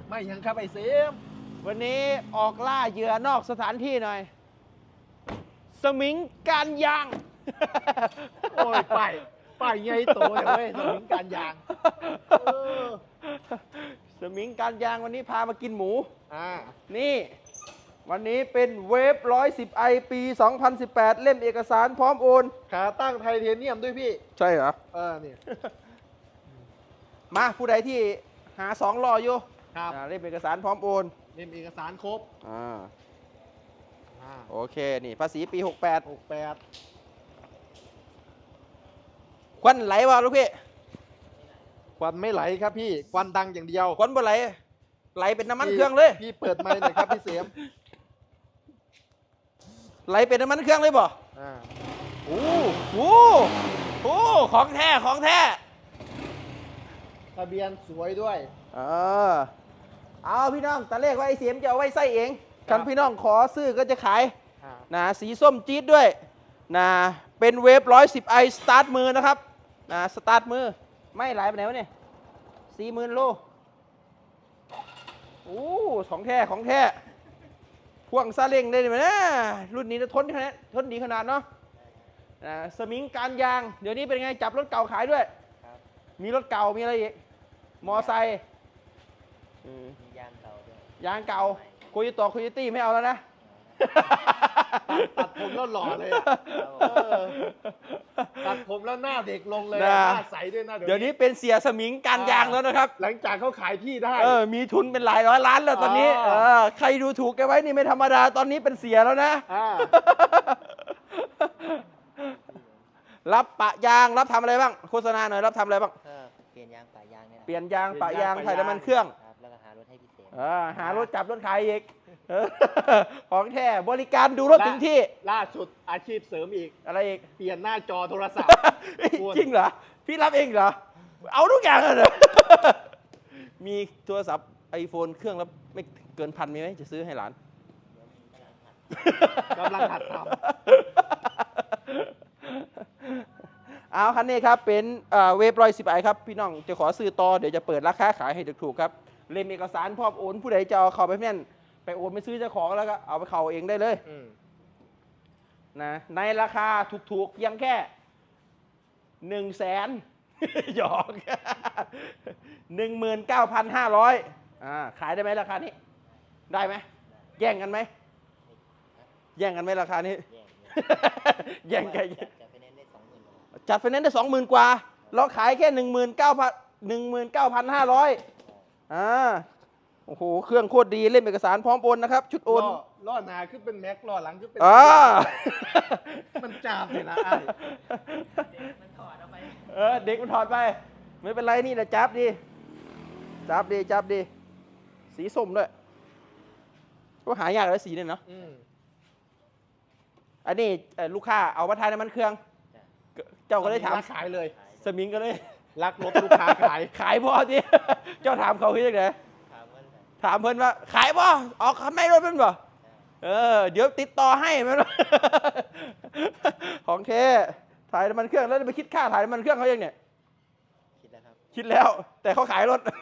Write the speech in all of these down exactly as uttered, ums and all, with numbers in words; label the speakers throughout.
Speaker 1: ไม่ยังครับไอ้เสียม
Speaker 2: วันนี้ออกล่าเหยื่อนอกสถานที่หน่อย สมิงการยาง
Speaker 1: โอ้ยไปไปไงโตเลยเว้ยสมิงการยางเออ
Speaker 2: สมิงการยางวันนี้พามากินหมู
Speaker 1: อ่า
Speaker 2: นี่ วันนี้เป็นเวฟร้อยสิบไอปีสองพันสิบแปดเล่มเอกสารพร้อมโอน
Speaker 1: ขาตั้งไทเทเนียมด้วยพี่
Speaker 2: ใช่เหรอ
Speaker 1: เออเนี่ย
Speaker 2: มาผู้ใดที่หาสองล้ออยู่
Speaker 1: ครับ
Speaker 2: อ่าเล่มเอกสารพร้อมโอน
Speaker 1: เล่มเอกสารครบ
Speaker 2: อ่า
Speaker 1: อ่า
Speaker 2: โอเค นี่ภาษีปีหกแปด
Speaker 1: หกแปด
Speaker 2: ควันไหลวะลูกพี่
Speaker 1: ควันไม่ไหลครับพี่ควันดังอย่างเดียว
Speaker 2: ควันบ่ไหล ไหลเป็นน้ำมัน
Speaker 1: พี่
Speaker 2: เครื่องเลย
Speaker 1: พี่เปิดไมค์หน่อยครับพี่เสียม
Speaker 2: ไหลเป็นน้ำมันเครื่องเลยบ่
Speaker 1: อ่า
Speaker 2: โอ้โหโอ้ของแท้ ของแท้
Speaker 1: ทะเบียนสวยด้วย
Speaker 2: เออเอาพี่น้องตะเลขว่าไอ้เสียมจะเอาไว้ใส่เอง
Speaker 1: ครั
Speaker 2: กับ นพี่น้องขอซื้อก็จะขาย
Speaker 1: อ่า
Speaker 2: นะสีส้มจี๊ดด้วยนะเป็นเวฟร้อยสิบไอสตาร์ทมือนะครับนะสตาร์ทมือไม่ไหลไปไหนวะเนี่ยสี่หมื่นโลโอ้ของแท้ของแท้พ่วงซาเล้งได้ไหมนะรุ่นนี้จะทนขนาดทนดีขนาดเนาะนะสมิงการยางเดี๋ยวนี้เป็นไงจับรถเก่าขายด้วย มีรถเก่ามีอะไรอีกมอไซค์อืม
Speaker 3: มียางเก่าด้วย
Speaker 2: ยางเก่าโคโยต้โคโยตี้ไม่เอาแล้วนะ
Speaker 1: ตัดผมแล้วหล่อเลยอะเออตัดผมแล้วหน้าเด็กลงเลยอะ
Speaker 2: นะ
Speaker 1: หน้าใสด้วยนะ
Speaker 2: เดี๋ยวนี้เป็นเสียสมิงการยางแล้วนะครับ
Speaker 1: หลังจากเขาขายที่ได้
Speaker 2: เออ มีทุนเป็นหลายร้อยล้านแล้วตอนนี้
Speaker 1: อ๋อ
Speaker 2: เออ ใครดูถูกแกไว้นี่ไม่ธรรมดา ตอนนี้เป็นเสียแล้วนะ
Speaker 1: อ่า
Speaker 2: รับปะยาง รับทำอะไรบ้าง โฆษณาหน่อย รับทำอะไรบ้าง
Speaker 3: ก็เปลี่ยนยางป่ายางเนี่ยนะ
Speaker 2: เปลี่ยนยางปะยาง
Speaker 1: เปลี่ยนยางปะ
Speaker 2: ถ่ายน้ำมันเครื่อง
Speaker 3: ครับแล้วก็หารถให้พี่เสม
Speaker 2: เออ หารถจับรถขายอีกเออของแท้ บริการดูรถถึงที่
Speaker 1: ล่าสุดอาชีพเสริมอีก
Speaker 2: อะไรอีก
Speaker 1: เปลี่ยนหน้าจอโทรศัพท์ คุณ
Speaker 2: จริงเหรอ พี่รับเองเหรอ เอาทุกอย่างเลยเหรอ มีโทรศัพท์ไอโฟนเครื่องแล้วไม่เกินพันมีไหมจะซื้อให้หลาน
Speaker 1: กำลังหัดท
Speaker 2: เอาคันนี้ครับเป็นเอ่อเวฟร้อยสิบไอครับพี่น้องจะขอซื้อต่อเดี๋ยวจะเปิดราคาขายให้ถูกๆครับเล่มเอกสารพร้อมโอนผู้ใดจะเอาเข้าไปแม่นไปโอนไปซื้อเจ้าของแล้วก็เอาไปเข้าเองได้เลย
Speaker 1: ำอืม
Speaker 2: นะในราคาถูกๆเพียงแค่หนึ่งแสน หยอก หนึ่งหมื่นเก้าพันห้าร้อยอ่าขายได้ไหมราคานี้ ได้ไหมแย่งกันไหมแย่งกันไหมราคานี้
Speaker 3: แย่ง
Speaker 2: แย่งกัน
Speaker 3: จัดจัดไปเน้นได้สองหมื่น
Speaker 2: จัดไฟแนนซ์ได้สองหมื่นกว่า เราขายแค่หนึ่งหมื่นเก้าพันหนึ่งหมื่นเก้าพันห้าร้อยอ่าโอ้โห เครื่องโคตรดีเล่มเอกสารพร้อมโอนนะครับ ชุดโอน
Speaker 1: ล้อล้อหน้าขึ้นเป็นแม็กล้อหลังขึ้นเป็น
Speaker 2: อ่า
Speaker 1: มันจามเลยนะไอ้
Speaker 3: มันถอดเอาไป
Speaker 2: เออ เด็กมันถอดไป ไม่เป็นไรนี่แหละจับดี จับดี จับดี สีส้มด้วย ก็หายากแล้วสีเนี่ยเนาะ
Speaker 1: อืม
Speaker 2: อันนี้เอ่อลูกค้าเอามาทายน้ำมันเครื่อง เจ้าก็เลยถาม
Speaker 1: ขายเลย
Speaker 2: สมิงก็เลย
Speaker 1: รักรถลูกค้าขาย
Speaker 2: ขายพอที เจ้าถามเขาคือยังไง
Speaker 3: ถามว่าอะไร
Speaker 2: ถามเพิ่นว่าขายบ่ออกไม่รถเป็นบ่เออเดี๋ยวติดต่อให้แม่นบ่ ของเทถ่ายน้ำมันเครื่องแล้วจะไปคิดค่าถ่ายน้ำมันเครื่องเขายังเนี่ย
Speaker 3: คิดแล้วครับ
Speaker 2: คิดแล้วแต่เขาขายรถ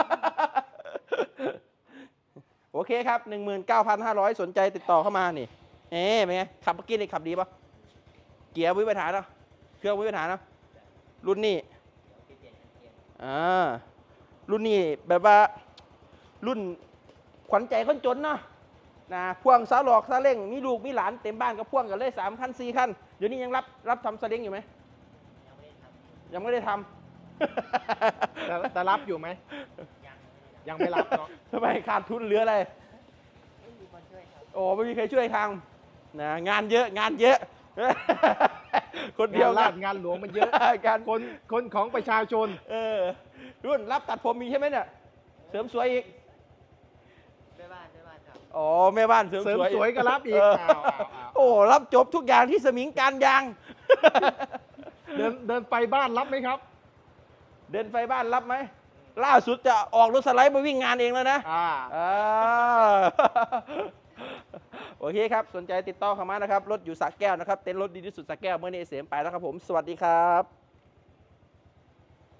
Speaker 2: โอเคครับ หนึ่งหมื่นเก้าพันห้าร้อย สนใจติดต่อเข้ามานี่เอ๊ะเป็นไงขับเมื่อกี้นี่ขับดีป่ะเกียร์วิปัญหาเนาะเครื่องวิปัญหาเนาะรุ่นนี้
Speaker 3: เดี๋ยวพี่เปลี่ยนกันเกียร์
Speaker 2: อ่ารุ่นนี้แบบว่ารุ่นขวัญใจคนจนเนาะนะพ่วงซาหลอกซาเล้งมีลูกมีหลานเต็มบ้านก็พ่วงกันเลยสามคันสี่คันเดี๋ยวนี้ยังรับรับทำซาเล้งอยู่ไหม
Speaker 3: ยังไม่ได้ทำ
Speaker 2: ยังไม่ได้ท
Speaker 1: แต่แต่รับอยู่ไหม
Speaker 3: ยัง
Speaker 1: ยังไม่รับเนาะ
Speaker 2: ำ ทำไมขาดทุนเหลืออะไร
Speaker 3: ไม่มีคนช่วยครับ
Speaker 2: โอ้ไม่มีใครช่วยทำนะงานเยอะงานเยอะ คนเดี
Speaker 1: เดี
Speaker 2: ย
Speaker 1: ยว ว
Speaker 2: งา
Speaker 1: ลาน ดงานหลวงมันเยอะ
Speaker 2: การ
Speaker 1: คนคนของประชาชน
Speaker 2: เออรุ่นรับตัดผมมีใช่ไหมเนี่ยเสริมสวยอีก
Speaker 3: แม่บ้านแม่บ้านครับ
Speaker 2: อ๋อแม่บ้านเสริม
Speaker 1: เสริม
Speaker 2: สวย
Speaker 1: สวยก็รับอีก
Speaker 2: เ
Speaker 1: อ้าวอ้าวอ้าว
Speaker 2: โอ้รับจบทุกอย่างที่สมิงการยาง
Speaker 1: เดินเดินไปบ้านรับไหมครับ
Speaker 2: เดินไฟบ้านรับไหมล่าสุดจะออกรถสไลด์มาวิ่งงานเองแล้วนะ
Speaker 1: อ่า
Speaker 2: อ่า โอเคครับสนใจติดต่อเข้ามานะครับรถอยู่สระแก้วนะครับเต็นท์รถดีที่สุดสระแก้วเมื่อนี้เสียมไปแล้วครับผมสวัสดีครับ